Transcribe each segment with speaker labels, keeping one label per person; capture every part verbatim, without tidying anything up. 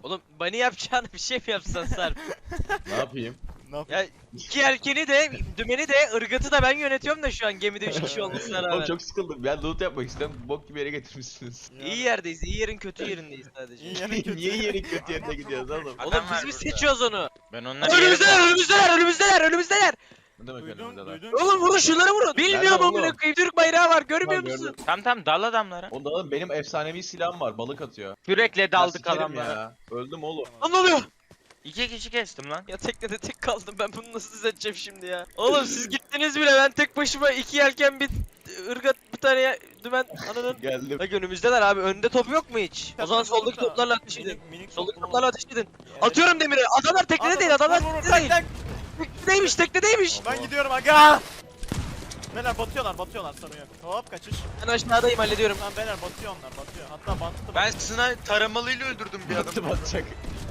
Speaker 1: Oğlum bani yapacağını bir şey mi yapsan Sarp?
Speaker 2: Ne yapayım?
Speaker 3: Ne yapayım?
Speaker 1: Ya iki yelkeni de, dümeni de, ırgatı da ben yönetiyorum da şu an gemide üç kişi olmasına
Speaker 2: Oğlum
Speaker 1: rağmen.
Speaker 2: çok sıkıldım. Ben loot yapmak istiyorum. Bok gibi yere getirmişsiniz.
Speaker 1: İyi yerdeyiz, iyi yerin kötü yerindeyiz sadece.
Speaker 3: İyi yerin kötü.
Speaker 2: Niye yerin kötü yerine gidiyoruz oğlum?
Speaker 1: Oğlum
Speaker 4: Adam var
Speaker 1: biz mi
Speaker 4: burada.
Speaker 1: seçiyoruz onu?
Speaker 4: Ben onları
Speaker 1: Önümüzdeler, önümüzdeler, önümüzdeler, önümüzdeler.
Speaker 2: Ne demek
Speaker 3: Duydun,
Speaker 2: önümüzde lan?
Speaker 3: duydun.
Speaker 1: Oğlum vurun şunları vurun. Bilmiyorum
Speaker 2: oğlum?
Speaker 1: amına koyayım. Türk bayrağı var, görmüyor
Speaker 2: Tamam,
Speaker 1: musun?
Speaker 2: gördüm.
Speaker 4: Tamam tamam dal adamlara.
Speaker 2: Onda oğlum benim efsanevi silahım var. Balık atıyor.
Speaker 4: Kürekle
Speaker 2: Ya
Speaker 4: daldık
Speaker 2: sikerim
Speaker 4: adamlara.
Speaker 2: ya. Öldüm oğlum.
Speaker 1: Lan ne oluyor?
Speaker 4: İki kişi kestim lan.
Speaker 1: Ya teknede tek kaldım, ben bunu nasıl düzelteceğim şimdi ya? Oğlum siz gittiniz bile, ben tek başıma iki yelken bir ırgat bir tane ya- dümen ananın.
Speaker 2: Geldim.
Speaker 1: Bak önümüzdeler abi, önde top yok mu hiç? O zaman soldaki
Speaker 3: Minik-
Speaker 1: toplarla ateş edin.
Speaker 3: minik- minik
Speaker 1: Soldaki
Speaker 3: toplama.
Speaker 1: toplarla ateş edin.
Speaker 3: Evet.
Speaker 1: Atıyorum demiri. Adamlar teknede değil, adamlar
Speaker 3: Vur, vur,
Speaker 1: teknede
Speaker 3: tak,
Speaker 1: değil.
Speaker 3: tak.
Speaker 1: Teknedeymiş, teknedeymiş.
Speaker 3: Ben gidiyorum aga. Beyler batıyorlar batıyorlar sorun yok. Hop kaçış.
Speaker 1: Ben aşağıdayım, hallediyorum.
Speaker 3: Tamam beyler batıyor onlar batıyor. Hatta battı.
Speaker 4: Ben sniper taramalıyla öldürdüm bir
Speaker 2: Battı
Speaker 4: adamı.
Speaker 2: batacak.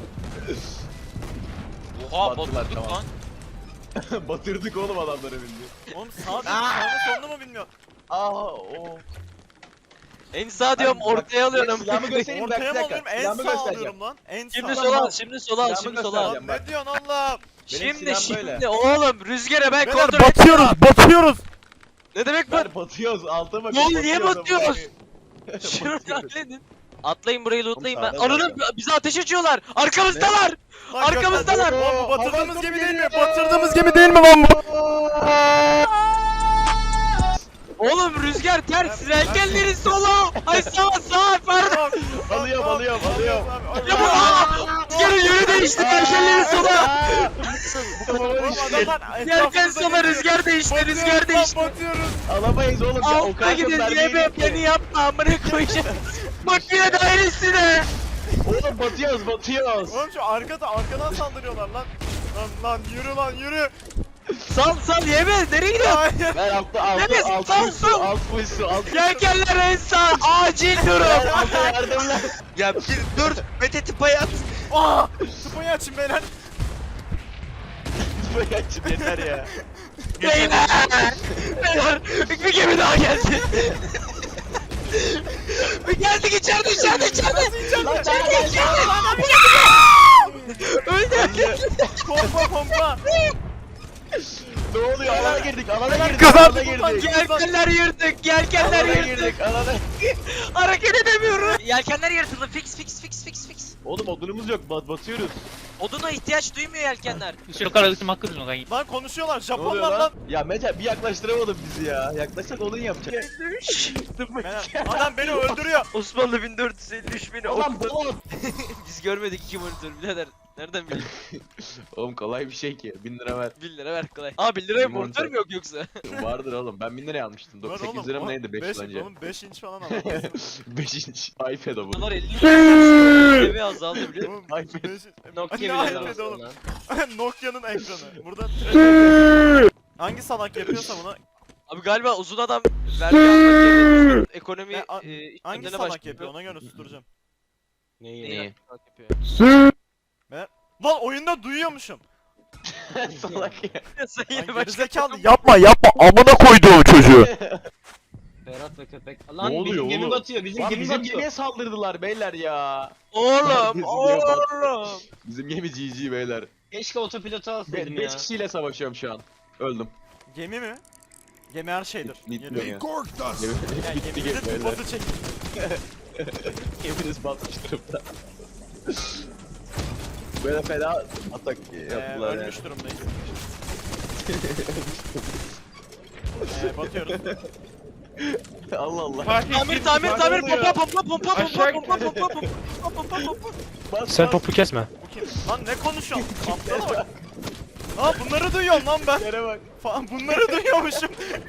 Speaker 4: Oha
Speaker 2: Battılar,
Speaker 4: batırdık
Speaker 2: tamam.
Speaker 4: lan.
Speaker 2: Batırdık oğlum adamları bildi.
Speaker 3: Oğlum sağ mı sağını sonunu mu bilmiyor.
Speaker 2: Aa o.
Speaker 1: En sağ diyorum,
Speaker 2: Bak,
Speaker 1: ortaya alıyorum.
Speaker 2: Silahımı göstereyim bak bir
Speaker 3: Ortaya mı
Speaker 2: dakika.
Speaker 3: alıyorum? En
Speaker 2: Silahımı
Speaker 3: sağ
Speaker 2: göstereceğim.
Speaker 3: alıyorum lan. En sağ.
Speaker 1: Şimdi
Speaker 2: Sağ.
Speaker 1: sola al, şimdi sola al,
Speaker 2: Silahımı
Speaker 1: şimdi sola al.
Speaker 2: göstereceğim.
Speaker 3: Lan ne diyorsun Allah'ım?
Speaker 1: Şimdi
Speaker 2: silahım
Speaker 1: şimdi
Speaker 2: böyle.
Speaker 1: oğlum rüzgara ben
Speaker 3: Beyler
Speaker 1: kontrol
Speaker 3: batıyoruz batıyoruz.
Speaker 1: Ne demek bu?
Speaker 2: Ver batıyoruz alta bak.
Speaker 1: Ne oldu, niye batıyoruz? Şunu halledin. Atlayın burayı, lootlayın ben.
Speaker 2: Oğlum sağdan
Speaker 1: Ananın bize ateş açıyorlar. Arkamızdalar.
Speaker 3: Lan
Speaker 1: Arkamızdalar.
Speaker 3: göster- Lan bu batırdığımız
Speaker 2: Havada
Speaker 3: gemi değil mi?
Speaker 2: geliyor.
Speaker 3: Batırdığımız gemi değil mi lan bu?
Speaker 1: Oğlum rüzgar ters. Yelkenleri sola. Ay sağa sağa pardon.
Speaker 2: Alıyorum, alıyorum, alıyorum.
Speaker 1: Ya bu aa! Rüzgarın yönü değişti. Yelkenleri sola.
Speaker 3: Oğlum adamlar
Speaker 1: Yelken
Speaker 3: etrafımızda
Speaker 1: sola,
Speaker 3: geliyor.
Speaker 1: rüzgar değişti.
Speaker 3: Batıyoruz
Speaker 1: Rüzgar
Speaker 3: lan,
Speaker 1: değişti.
Speaker 3: Batıyoruz.
Speaker 2: Alamayız oğlum ya. O
Speaker 1: Altta
Speaker 2: kadar
Speaker 1: gidin
Speaker 2: mermi
Speaker 1: diye
Speaker 2: yedik
Speaker 1: beni
Speaker 2: ki.
Speaker 1: yapma, amına koyacağım. Makine dairesine.
Speaker 2: Oğlum batıyoruz batıyoruz.
Speaker 3: Oğlum şu arkada arkadan saldırıyorlar lan. Lan lan yürü lan yürü.
Speaker 1: Sal sal yeme. Nereye gidiyorsun?
Speaker 3: Hayır.
Speaker 2: Ver altta altta
Speaker 1: Nefes,
Speaker 2: alt
Speaker 1: sal,
Speaker 2: full su
Speaker 1: sal.
Speaker 2: alt full su alt.
Speaker 1: Yelkenler en sağ. Acil durum.
Speaker 2: Ver altta yardım lan.
Speaker 4: Ya bir dur Mete tıpayı at.
Speaker 3: Aa! Tıpayı açın beyler.
Speaker 2: Böyle açıp yeter ya.
Speaker 1: Beyler! Beyler! Bir gemi daha geldi. Bir geldik içeride içeride içeride. İçeride içeride içeride. Öldü.
Speaker 3: Pompa pompa.
Speaker 2: Ne oluyor? Alana girdik alana girdik.
Speaker 3: Kazandık
Speaker 2: Alana
Speaker 3: ulan,
Speaker 2: girdik.
Speaker 1: Yelkenler yırtık. Yelkenler
Speaker 2: Alana
Speaker 1: yırtık.
Speaker 2: girdik alana.
Speaker 1: Hareket edemiyorum. Yelkenler yırtıldı. Fix fix fix fix fix.
Speaker 2: Oğlum odunumuz yok bat batıyoruz.
Speaker 1: Oduna ihtiyaç duymuyor yelkenler.
Speaker 3: Lan konuşuyorlar
Speaker 2: Ne oluyor
Speaker 3: Japonlar
Speaker 2: lan?
Speaker 3: lan.
Speaker 2: Ya Mete bir yaklaştıramadın bizi ya. Yaklaşsak odun yapacak.
Speaker 3: Beyler, adam beni öldürüyor.
Speaker 1: Osmanlı bin dört yüz elli üç bin.
Speaker 2: Ulan balon.
Speaker 1: Biz görmedik iki monitör birader. Nereden bildin?
Speaker 2: Oğlum kolay bir şey ki. bin lira ver.
Speaker 1: bin lira ver kolay. Aa bin liraya
Speaker 2: Bir
Speaker 1: monitör
Speaker 2: monitör.
Speaker 1: mü yok yoksa?
Speaker 2: Vardır oğlum. Ben bin liraya almıştım.
Speaker 3: Var
Speaker 2: sekiz
Speaker 3: oğlum,
Speaker 2: lira mı
Speaker 3: oğlum,
Speaker 2: neydi beş
Speaker 3: beş-
Speaker 2: yıl önce?
Speaker 3: Oğlum beş inç falan alalım.
Speaker 2: beş inç iPad o bu.
Speaker 1: Dolar elli lira. Evi azaldı biliyor musun?
Speaker 3: Oğlum
Speaker 2: iPad.
Speaker 3: beş-
Speaker 1: Nokia
Speaker 3: Ne
Speaker 1: bile
Speaker 3: iPad
Speaker 1: lazım
Speaker 3: oğlum?
Speaker 1: lan.
Speaker 3: Nokia'nın ekranı. Burada trash- Hangi salak yapıyorsa bunu
Speaker 1: Abi galiba uzun adam vergi almak yerine ekonomi
Speaker 3: Ya, a-
Speaker 1: e,
Speaker 3: hangi
Speaker 1: işlemlerine
Speaker 3: salak
Speaker 1: başlıyor.
Speaker 3: yapıyor ona göre susturacağım.
Speaker 2: Neyi
Speaker 1: Neyi
Speaker 2: neyi?
Speaker 1: hangi salak yapıyor?
Speaker 3: Lan oyunda duyuyormuşum.
Speaker 2: Salak ya.
Speaker 1: Sen
Speaker 3: Lan
Speaker 1: yine başka
Speaker 3: gerizekalı yapma yapma amına koyduğum çocuğu.
Speaker 5: Ferhat ve köpek.
Speaker 2: Ne
Speaker 5: Lan
Speaker 2: oluyor
Speaker 5: bizim gemi
Speaker 2: oğlum?
Speaker 5: batıyor. Bizim
Speaker 2: Lan
Speaker 5: gemi
Speaker 2: bizim
Speaker 5: batıyor.
Speaker 2: gemiye saldırdılar beyler ya.
Speaker 1: Oğlum
Speaker 2: Bizim gemi battı.
Speaker 1: oğlum.
Speaker 2: Bizim gemi G G beyler.
Speaker 5: Keşke otopilotu alsaydım ya.
Speaker 2: beş kişiyle savaşıyorum şu an. Öldüm.
Speaker 3: Gemi mi? Gemi her şeydir.
Speaker 2: Bitti
Speaker 3: Geliyor.
Speaker 2: ya.
Speaker 3: Yani
Speaker 2: Bitti
Speaker 3: geminin
Speaker 2: gemi beyler.
Speaker 3: tıpası çekil.
Speaker 2: Geminiz batmış durumda. Böyle fena atak
Speaker 3: Ee,
Speaker 2: yaptılar yani.
Speaker 3: ölmüş durumdayız. ee, batıyoruz.
Speaker 2: Allah Allah.
Speaker 1: Tamir tamir tamir pompa pompa pompa pompa
Speaker 4: Aşağı
Speaker 1: pompa pompa pompa pompa pompa.
Speaker 2: Bas,
Speaker 6: Sen
Speaker 2: bas.
Speaker 6: topu kesme.
Speaker 3: Bu kim? Lan ne konuşuyorsun? Aptala bak. Aa bunları duyuyorum lan ben.
Speaker 2: Yere bak.
Speaker 3: Falan bunları duyuyormuşum.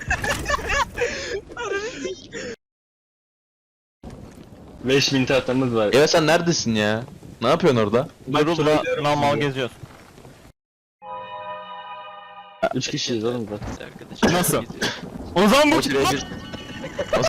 Speaker 5: beş bin tahtamız var.
Speaker 2: Evet sen neredesin ya? Ne yapıyorsun orada?
Speaker 6: Normal geziyoruz.
Speaker 5: üç kişiyiz oğlum zaten.
Speaker 1: Arkadaşlar
Speaker 6: Nasıl?
Speaker 1: geziyor.
Speaker 6: O zaman bu
Speaker 2: O şuraya bir-